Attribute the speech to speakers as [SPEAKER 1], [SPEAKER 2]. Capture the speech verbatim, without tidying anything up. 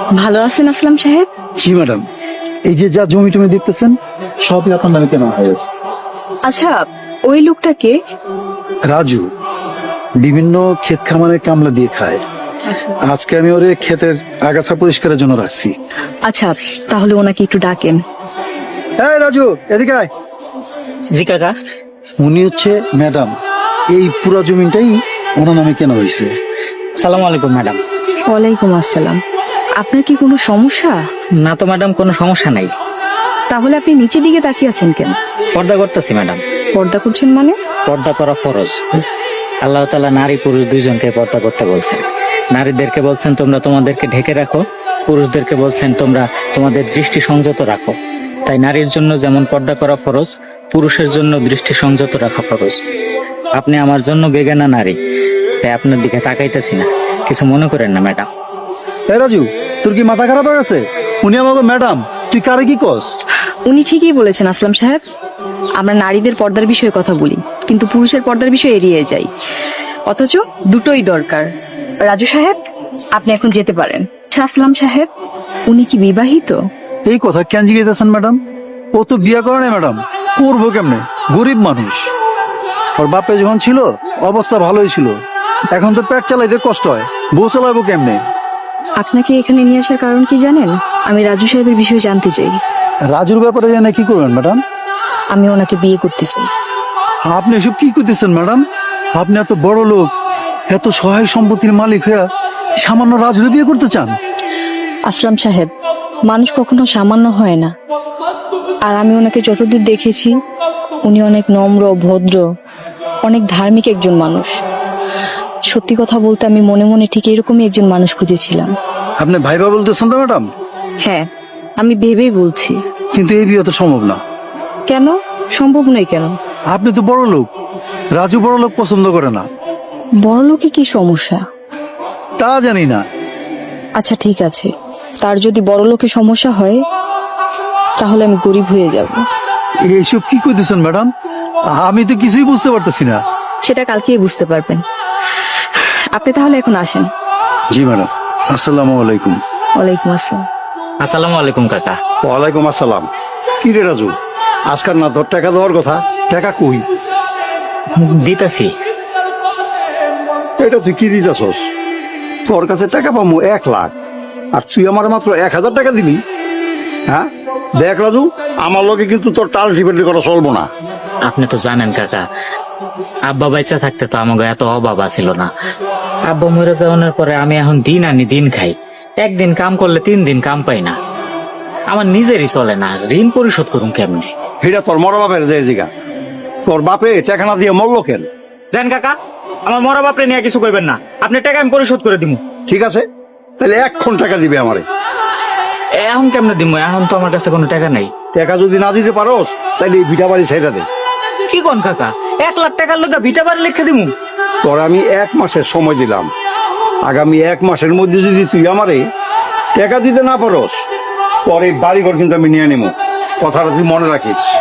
[SPEAKER 1] ভালো আছেন আসলাম সাহেব?
[SPEAKER 2] জি ম্যাডাম, এই যে যা জমি টমি দেখতেছেন সবই আপনার নামে কেনা হয়ে গেছে।
[SPEAKER 1] আচ্ছা, ওই লোকটাকে?
[SPEAKER 2] রাজু বিভিন্ন ক্ষেত খামারে কামলা দিয়ে খায়। আজকে আমি ওরে ক্ষেতের আগাছা পরিষ্কারের জন্য রাখছি।
[SPEAKER 1] আচ্ছা, তাহলে ওনাকে একটু ডাকেন।
[SPEAKER 2] এই রাজু, এদিকে আয়।
[SPEAKER 3] জি কাকা।
[SPEAKER 2] উনি হচ্ছে ম্যাডাম, এই পুরো জমিটাই ওনার নামে কেনা হয়েছে।
[SPEAKER 3] সালাম আলাইকুম ম্যাডাম।
[SPEAKER 1] ওয়ালাইকুম আসসালাম। আপনার কি কোনো সমস্যা?
[SPEAKER 3] না তো ম্যাডাম, কোনো সমস্যা নাই।
[SPEAKER 1] তাহলে আপনি নিচের দিকে তাকিয়ে আছেন কেন?
[SPEAKER 3] পর্দা করতেছি ম্যাডাম।
[SPEAKER 1] পর্দা করছেন মানে?
[SPEAKER 3] পর্দা করা ফরজ। আল্লাহ তাআলা নারী পুরুষ দুইজনকে পর্দা করতে বলছেন। নারীদেরকে বলছেন তোমরা তোমাদেরকে ঢেকে রাখো, পুরুষদেরকে বলছেন তোমরা তোমাদের দৃষ্টি সংযত রাখো। তাই নারীর জন্য যেমন পর্দা করা ফরজ, পুরুষের জন্য দৃষ্টি সংযত রাখা ফরজ। আপনি আমার জন্য বেগানা নারী, তাই আপনার দিকে তাকাইতেছি না, কিছু মনে করেন না ম্যাডাম।
[SPEAKER 2] এই রাজু, তোর কি মাথা খারাপ হয়ে গেছে? উনি আমাকে ম্যাডাম, তুই কারে কি কস?
[SPEAKER 1] উনি ঠিকই বলেছেন আসলাম সাহেব। আমরা নারীদের পর্দার বিষয়ে কথা বলি, কিন্তু পুরুষের পর্দার বিষয়ে এড়িয়ে যাই। অথচ দুটোই দরকার। রাজু সাহেব, আপনি এখন যেতে পারেন। আচ্ছা আসলাম সাহেব, উনি কি বিবাহিত?
[SPEAKER 2] এই কথা কেন জিজ্ঞেসেন ম্যাডাম? ও তো বিয়ে করে না ম্যাডাম, করবো কেমনে? গরিব মানুষ। ওর বাপে যখন ছিল অবস্থা ভালোই ছিল, এখন তো পেট চালাইতে কষ্ট হয়, বউ চালাবো কেমনে?
[SPEAKER 1] আপনাকে এখানে নিয়ে আসার কারণ কি জানেন? আমি রাজু সাহেবের বিষয়ে জানতে চাই।
[SPEAKER 2] রাজুর ব্যাপারে জানে কি করবেন ম্যাডাম?
[SPEAKER 1] আমি ওনাকে বিয়ে করতে চাই।
[SPEAKER 2] আপনি এসব কি করতেছেন ম্যাডাম? আপনি এত বড় লোক, এত সহায় সম্পত্তির মালিক হয়ে সামান্য রাজুর বিয়ে করতে চান?
[SPEAKER 1] আসলাম সাহেব, মানুষ কখনো সামান্য হয় না। আর আমি ওনাকে যতদূর দেখেছি, উনি অনেক নম্র, ভদ্র, অনেক ধার্মিক একজন মানুষ। সত্যি কথা বলতে আমি মনে মনে ঠিক এরকমই একজন মানুষ খুঁজেছিলাম।
[SPEAKER 2] আপনি ভাইবা বলতেছেন তো ম্যাডাম?
[SPEAKER 1] হ্যাঁ, আমি ভেবেই বলছি।
[SPEAKER 2] কিন্তু এই বিয়ে তো সম্ভব না।
[SPEAKER 1] কেন সম্ভব নয়? কেন?
[SPEAKER 2] আপনি তো বড় লোক, রাজু বড় লোক পছন্দ করে না।
[SPEAKER 1] বড় লোকে কি সমস্যা?
[SPEAKER 2] তা জানি না।
[SPEAKER 1] আচ্ছা ঠিক আছে, তার যদি বড় লোকে সমস্যা হয়, তাহলে আমি গরিব হয়ে যাব।
[SPEAKER 2] এইসব কি করতেছেন ম্যাডাম? আমি তো কিছুই বুঝতে পারতেছি না।
[SPEAKER 1] সেটা কালকেই বুঝতে পারবেন। আপনি তাহলে এখন আসেন।
[SPEAKER 2] জি ম্যাডাম, আসসালামু আলাইকুম।
[SPEAKER 1] ওয়ালাইকুম আসসালাম।
[SPEAKER 3] আসসালামু আলাইকুম কাকা।
[SPEAKER 4] ওয়ালাইকুম আসসালাম। কি রে রাজু, আজকাল না তোর টাকা দেওয়ার কথা, টাকা কই?
[SPEAKER 3] দিতাছি।
[SPEAKER 4] এটা তুই কি দিতেছস? তোর কাছে টাকা পাবো এক লাখ, আর তুই আমার মাত্র এক হাজার টাকা দিবি? হ্যাঁ দেখ রাজু, আমার লোকে কিন্তু তোর টাল টিপেটি করা চলবো না।
[SPEAKER 3] আপনি তো জানেন কাকা, আব্বা বাইচা থাকতে তো আমাকে এত অভাব ছিল না। আব্বা মরে যাওয়ার পরে আমি এখন দিন আনি দিন খাই। একদিন কাম করলে তিন দিন কাম পাই না। আমার নিজেরই চলে না, ঋণ পরিশোধ করুন কেমনে?
[SPEAKER 4] এটা তোর মরা বাপের যে জিগা, তোর বাপে টাকা না দিয়ে মরলো কেন?
[SPEAKER 3] দেন কাকা, আমার মরা বাপরে নিয়ে কিছু কইবেন না। আপনি টাকা আমি পরিশোধ করে দিব।
[SPEAKER 4] ঠিক আছে, তাহলে এক্ষণ টাকা দিবে আমারে।
[SPEAKER 3] এখন কেমনে দিব? এখন তো আমার কাছে কোনো টাকা নাই।
[SPEAKER 4] টাকা যদি না দিতে পারোস, তাহলে এই ভিটা বাড়ি ছেড়ে দে।
[SPEAKER 3] কি কোন কাকা, এক লাখ টাকার লোক ভিটা বাড়ি লিখে দিব?
[SPEAKER 4] তোর আমি এক মাসের সময় দিলাম, আগামী এক মাসের মধ্যে যদি তুই আমারে টাকা দিতে না পারোস, পরে বাড়িঘর কিন্তু আমি নিয়ে নেবো। কথাটা তুই মনে রাখিস।